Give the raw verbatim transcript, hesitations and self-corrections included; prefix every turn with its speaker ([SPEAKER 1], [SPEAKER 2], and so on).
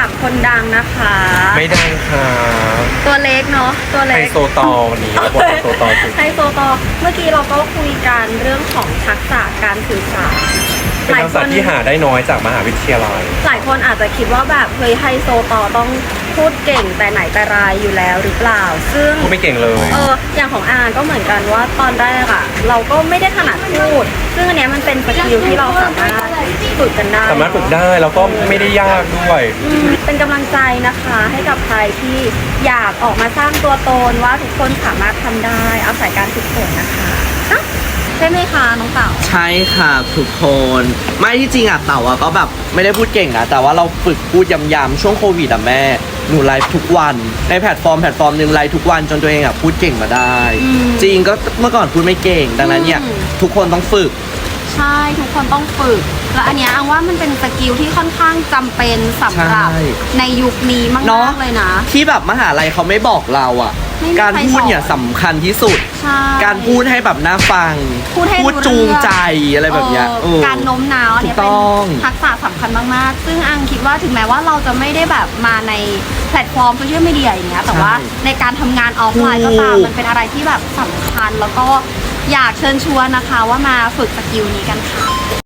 [SPEAKER 1] จากคนดังนะคะ
[SPEAKER 2] ไม่ดังค่ะ
[SPEAKER 1] ตัวเล็กเนาะตัวเล็ก
[SPEAKER 2] ไฮโซตอวันนี้บทไฮโซตอคือ
[SPEAKER 1] ไฮโซตอเมื่อกี้เราก็คุยกันเรื่องของทักษะการสื่อสาร
[SPEAKER 2] เป็นทักษะที่หาได้น้อยจากมหาวิทยาลัย
[SPEAKER 1] หลายคนอาจจะคิดว่าแบบเฮ้ยไฮโซตอต้องพูดเก่งแต่ไหนแต่ไรอยู่แล้วหรือเปล่าซึ่ง
[SPEAKER 2] พูดไม่เก่งเลย
[SPEAKER 1] เอออย่างของอาก็เหมือนกันว่าตอนแรกอะเราก็ไม่ได้ถนัดพูดซึ่งอันเนี้ยมันเป็นสกิลที่เราสามารถฝึกกันได้
[SPEAKER 2] สามารถฝึกได้แล้วก็ไม่ได้ยากด้วย
[SPEAKER 1] เป็นกำลังใจนะคะให้กับใครที่อยากออกมาสร้างตัวตนว่าทุกคนสามารถทำได้อาศัยการฝึกฝนนะคะใช่ไหมคะน้องเต่า
[SPEAKER 3] ใช่ค่ะทุกคนไม่ที่จริงอ่ะเต่าอ่ะก็แบบไม่ได้พูดเก่งนะแต่ว่าเราฝึกพูดย้ำๆช่วงโควิดอ่ะแม่หนูไลฟ์ทุกวันในแพลตฟอร์มแพลตฟอร์มหนึ่งไลฟ์ทุกวันจนตัวเองอ่ะพูดเก่งมาได้จริงก็เมื่อก่อนพูดไม่เก่งดังนั้นเนี่ยทุกคนต้องฝึก
[SPEAKER 1] ใช่ทุกคนต้องฝึกและอันเนี้ยอังว่ามันเป็นสกิลที่ค่อนข้างจำเป็นสำหรับในยุคนี้มากๆเลยนะ
[SPEAKER 3] ที่แบบมหาลัยเขาไม่บอกเราอ่ะการพูดเนี่ยสำคัญที่สุดการพูดให้แบบน่าฟังพูดจูงใจอะไรแบบเนี้ย
[SPEAKER 1] การโน้มน้าวเนี่ยเป็นทักษะสำคัญมากๆซึ่งอังคิดว่าถึงแม้ว่าเราจะไม่ได้แบบมาในแพลตฟอร์มโซเชียลมีเดียอย่างเงี้ยแต่ว่าในการทำงานออฟไลน์ก็ตามมันเป็นอะไรที่แบบสำคัญแล้วก็อยากเชิญชวนนะคะว่ามาฝึกสกิลนี้กันค่ะ